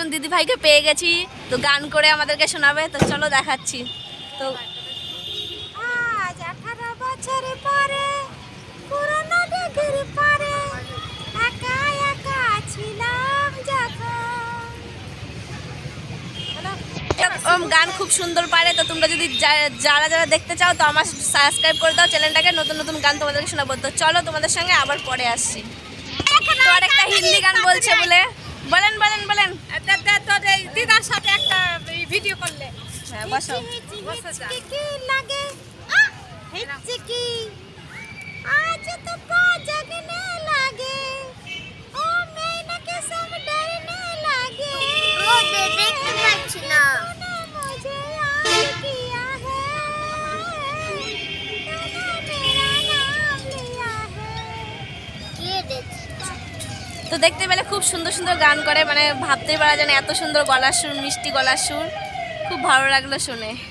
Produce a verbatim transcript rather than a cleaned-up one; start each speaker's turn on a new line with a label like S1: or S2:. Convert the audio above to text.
S1: একজন দিদি ভাইকে পেয়ে গেছি, তো গান করে আমাদেরকে শোনাবে। তো চলো দেখাচ্ছি। তো
S2: আজ আঠারো বছর পরে পুরনো ডিগ্রির পরে একা একা ছিলাম যখন।
S1: এরকম গান খুব সুন্দর পারে। তো তোমরা যদি যা- যারা যারা দেখতে চাও তো আমার সাবস্ক্রাইব করে দাও চ্যানেলটাকে, নতুন নতুন গান তোমাদেরকে শোনাবো। তো চলো তোমাদের সঙ্গে আবার পরে আসছি। তো আর একটা হিন্দি গান বলছে বলে, বলেন বলেন বলেন।
S2: দিদার সাথে একটা ভিডিও করলে
S1: হ্যাঁ বসো।
S2: हिचकी लगे हिचकी आज तो जगने लगे ओ मैंने के सब डरने लगे ओ देखते पाচ্ছি না मुझे याद किया है तूने मेरा नाम लिया है কে দেখছে।
S1: তো দেখতে পেলে খুব সুন্দর সুন্দর গান করে, মানে ভাবতেই পারা যায় না এত সুন্দর গলার সুর, মিষ্টি গলার সুর। খুব ভালো লাগলো শুনে।